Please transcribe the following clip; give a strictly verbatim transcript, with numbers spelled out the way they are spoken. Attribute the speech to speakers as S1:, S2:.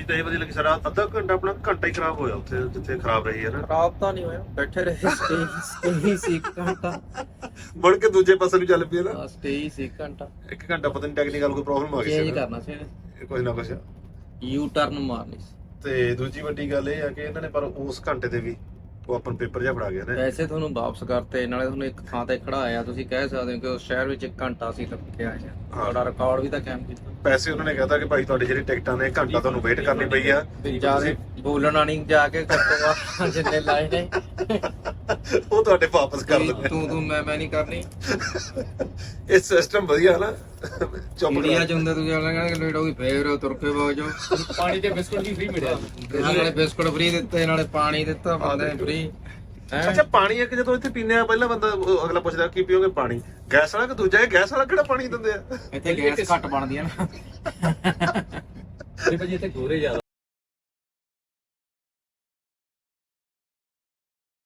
S1: ਢਾਈ ਵਜੇ ਲੱਗੀ ਸਾਰਾ ਅੱਧਾ ਘੰਟਾ ਆਪਣਾ ਘੰਟਾ ਹੀ ਖਰਾਬ ਹੋਇਆ ਉੱਥੇ ਜਿੱਥੇ ਖਰਾਬ ਰਹੀ ਹੈ ਨਾ।
S2: ਖਰਾਬ ਤਾਂ ਨਹੀਂ ਹੋਇਆ, ਬੈਠੇ ਰਹੇ, ਸਟੇ ਸਟੇ ਸੀ ਇੱਕ ਘੰਟਾ,
S1: ਮੁੜ ਕੇ ਦੂਜੇ ਪਾਸੇ ਨੂੰ ਚੱਲ ਪਈ ਨਾ।
S2: ਸਟੇ ਹੀ ਸੀ ਇੱਕ ਘੰਟਾ।
S1: ਇੱਕ ਘੰਟਾ ਪਤਾ ਨਹੀਂ ਟੈਕਨੀਕਲ ਕੋਈ ਪ੍ਰੋਬਲਮ ਆ ਗਈ
S2: ਚੇਂਜ
S1: ਸੀ
S2: ਕਰਨਾ ਸੀ,
S1: ਕੁਝ ਨਾ ਕੁਝ।
S2: ਯੂ ਟਰਨ ਮਾਰਨੀ ਸੀ।
S1: ਤੇ ਦੂਜੀ ਵੱਡੀ ਗੱਲ ਇਹ ਆ ਕਿ ਇਹਨਾਂ ਨੇ ਪਰ ਉਸ ਘੰਟੇ ਤੇ ਵੀ ਉਹ ਆਪਾਂ ਨੂੰ ਪੇਪਰ ਜਿਹਾ ਫੜਾ ਗਿਆ ਨੇ।
S2: ਪੈਸੇ ਤੁਹਾਨੂੰ ਵਾਪਸ ਕਰਤੇ, ਨਾਲੇ ਤੁਹਾਨੂੰ ਇੱਕ ਥਾਂ ਤੇ ਖੜਾਇਆ। ਤੁਸੀਂ ਕਹਿ ਸਕਦੇ ਹੋ ਕਿ ਉਸ ਸ਼ਹਿਰ ਵਿੱਚ ਇੱਕ ਘੰਟਾ ਸੀ ਰੱਖਿਆ ਹੈ, ਤੁਹਾਡਾ ਰਿਕਾਰਡ ਵੀ ਤਾਂ ਕਾਇਮ ਕੀਤਾ।
S1: ਪੈਸੇ ਉਹਨਾਂ ਨੇ ਕਹਿਤਾ ਕਿ ਭਾਈ ਤੁਹਾਡੀ ਜਿਹੜੀ ਟਿਕਟਾਂ ਨੇ ਘੰਟਾ ਤੁਹਾਨੂੰ ਵੇਟ ਕਰਨੀ ਪਈ ਆ।
S2: ਜਿਆਦਾ ਬੋਲਣਾ ਨਹੀਂ, ਜਾ ਕੇ ਘੱਟੋ ਜਿੰਨੇ ਲਾਏ ਨੇ
S1: ਉਹ ਤੁਹਾਡੇ ਵਾਪਸ ਕਰ ਦਿੰਦੇ।
S2: ਤੂੰ ਤੂੰ ਮੈਂ ਮੈਂ ਨਹੀਂ ਕਰਨੀ।
S1: ਇਹ ਸਿਸਟਮ ਵਧੀਆ ਨਾ, ਚੁੱਪ
S2: ਇੰਡੀਆ ਚ ਹੁੰਦੇ ਤੁਸੀਂ ਕਹਿੰਦੇ ਕਿ ਲੇਟ ਹੋ ਗਈ, ਫੇਰ ਤੁਰ ਕੇ ਬਾਗ ਜਾਓ।
S3: ਪਾਣੀ ਤੇ ਬਿਸਕੁਟ ਵੀ ਫ੍ਰੀ ਮਿਲਿਆ,
S2: ਨਾਲੇ ਬਿਸਕੁਟ ਫ੍ਰੀ ਦਿੱਤੇ, ਨਾਲੇ ਪਾਣੀ ਦਿੱਤਾ ਬੰਦੇ ਨੇ ਫ੍ਰੀ।
S1: ਅੱਛਾ ਪਾਣੀ ਇੱਕ ਜਦੋਂ ਇੱਥੇ ਪੀਂਦੇ ਆ ਪਹਿਲਾਂ ਬੰਦਾ ਉਹ ਅਗਲਾ ਪੁੱਛਦਾ ਕੀ ਪੀਓਗੇ, ਪਾਣੀ ਗੈਸ ਵਾਲਾ ਕਿ ਦੂਜਾ? ਇਹ ਗੈਸ ਵਾਲਾ ਕਿਹੜਾ ਪਾਣੀ ਦਿੰਦੇ ਆ?
S2: ਇੱਥੇ ਗੈਸ ਘੱਟ ਬਣਦੀ ਆ ਨਾ।
S3: ਭਾਜੀ ਇੱਥੇ ਗੋਰੇ ਜ਼ਿਆਦਾ